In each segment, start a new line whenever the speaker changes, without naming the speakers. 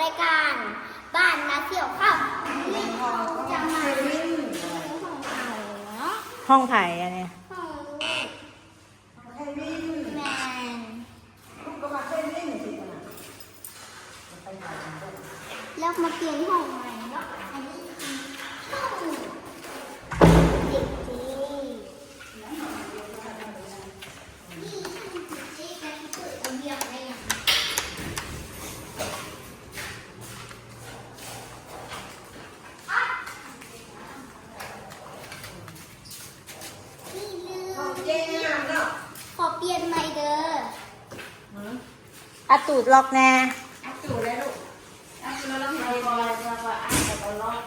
รายการบ้านนาเสี่ยวข้าวนี่เขาจะมาของเขาเนาะ
ห้องไผ่อันนี้
ของลูกแมนแล้วมาเปลี่ยนห้องใหม่เนาะอันนี้คือห้องเด็กจี นี่เจ๊กันเปิดเอาเบียร์ได้ยังนี่ลืมขอเปลี่ยนใหม่เด้อ
อาตูดล็อกแน่
จูเลยลูกจูแล้วเราให้บอยแล้วก็อ่านแล้วก็ล็อก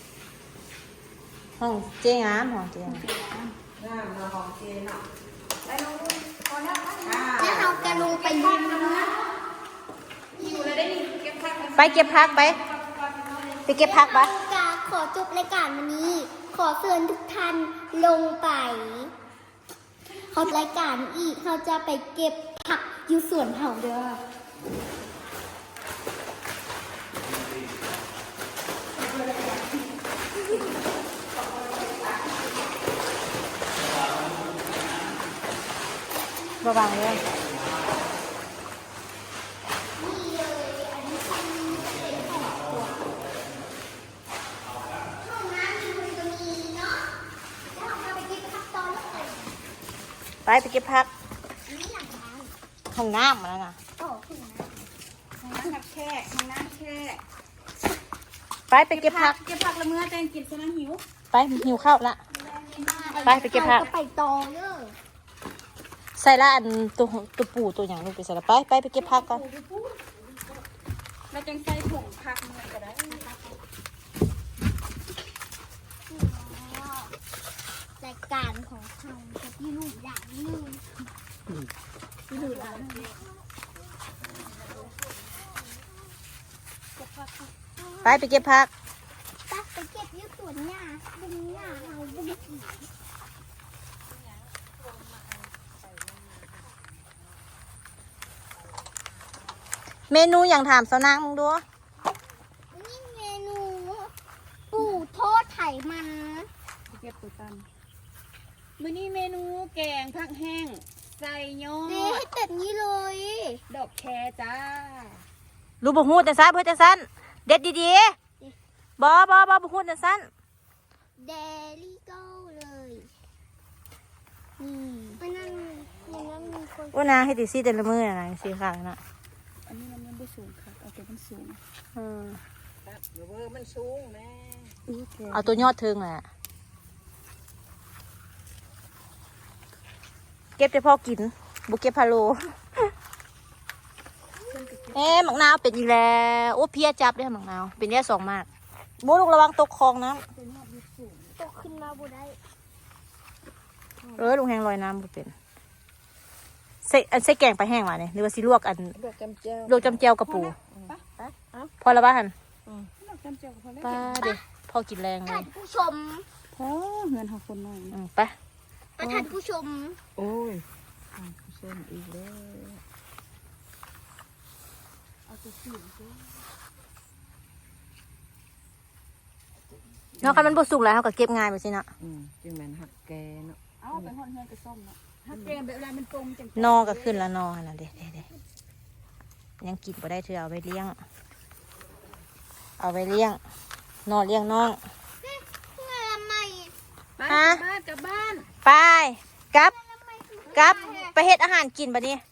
ห้องเจ๊งามห้องเจ๊งาม
น้ำเราของเจนเนาะไปลงพอแล้ว
แล้วเราจะลงไปยืนนะ
อยู่เลยได้นี่เก็บผัก
ไปเก็บพักไปเก็บพักปะ
กาขอจบรายการวันนี้ ขอเชิญทุกท่านลงไปเขารายการอีกเขาจะไปเก็บผักอยู่สวนเห่าเด้อ
ระวังเลย
นี่เลยอันนี้คือเป็นของตัวห้องน้ำมีมันจะมีเนาะแล้วเราไปเก็บผักตอนแล้วกัน
ไปเก็บพัก
อันนี้หลังร้าน
ห้องน้ำมาแล้วนะ
โอ้ถึงนะ
น้ำแช่น้ำแช่
ไปเก็บพัก
เก็บผักละเมื่อแตงกินซะนะหิว
ไปหิวข้าวละ ไปเก็บผัก
ราจะไปตองเด้อ
ใส่ละอันตัวปูตัวอย่างลูกไปใส่ละไปเก็บพักก่อน
เราจังใส่ผงผักเมื่อก็ได้
รายการของเขาจะที่ลูกอย่างนึงที่ลูกอย่างนึง
ไปเก็บพัก
ไปเก็บยืดสวนหญ้าดึงหญ้าเอาดึงอีก
เมนูอย่างถามสาวนางมึงดู
นี่เมนูปูโทษไถมัน
เก็บปูตันมื้อนี้เมนูแกงผักแห้งใส่ยอ
เด้ให้
ด
แบบนี้เลย
ดอกแคจ้า
รู้บ่ฮู้แต่ซันเพื่อแต่ซันเด็ดดีๆบ่ฮู้แต่ซัน
เดลี่โก้เลยนี่มันนั่นมีคน
ว่านาให้ติซี่แต่ละมื้อน่ะนะสีขาวน่ะ
อันนี้มันไม่สูงค่ะเอาตัวมันสูง
เออ
เดี๋ยวมันสูงแม่
เอาตัวยอดเทิงแหละเก็บแต่พอกินบุเก็บพะโลหมักนาวเป็นอีกแล้วโอ้เพี้ยจับได้หมักนาวเป็นแค่2มากโบลูกระวังตกคลองน้
ตกขึ้นมาบุได้
ำลุงแห้งลอยน้ำบุเป็นใส่แกงไปแห้งมาเนี่ยหรือว่าสิลวกอัน
ดอกจำเจ้า
ลวกจำเจียวกับปูพอแล้วบ้าน
ดอกจำเจ้าก็พอแล้ว
ป้าเด็กพอกินแรงเล
ท่าย นผู้ชม
พอเงินหาคนหน่อย
ไป
ท่านผู้ชม
โอ้ยเส้นอีกแล้วเอาตัวสีสิ
นอกจากมันบุสุกแล้วเขาก็เก็บง่ายไปสินะ
จึงแมนหักแกเนาะเอาไปห่อนเฮือนไปส้มเนาะหักแกแบบเวลามันปรุงจัง
นอก็ขึ้นแล้วนอนะเด็ยังกินบ่ได้เธอเอาไปเลี้ยงนอเลี้ยงน้อง
เมื่อละไม่
บ้านกลับบ้าน
ไปกลับไปเฮ็ดอาหารกินบัดนี้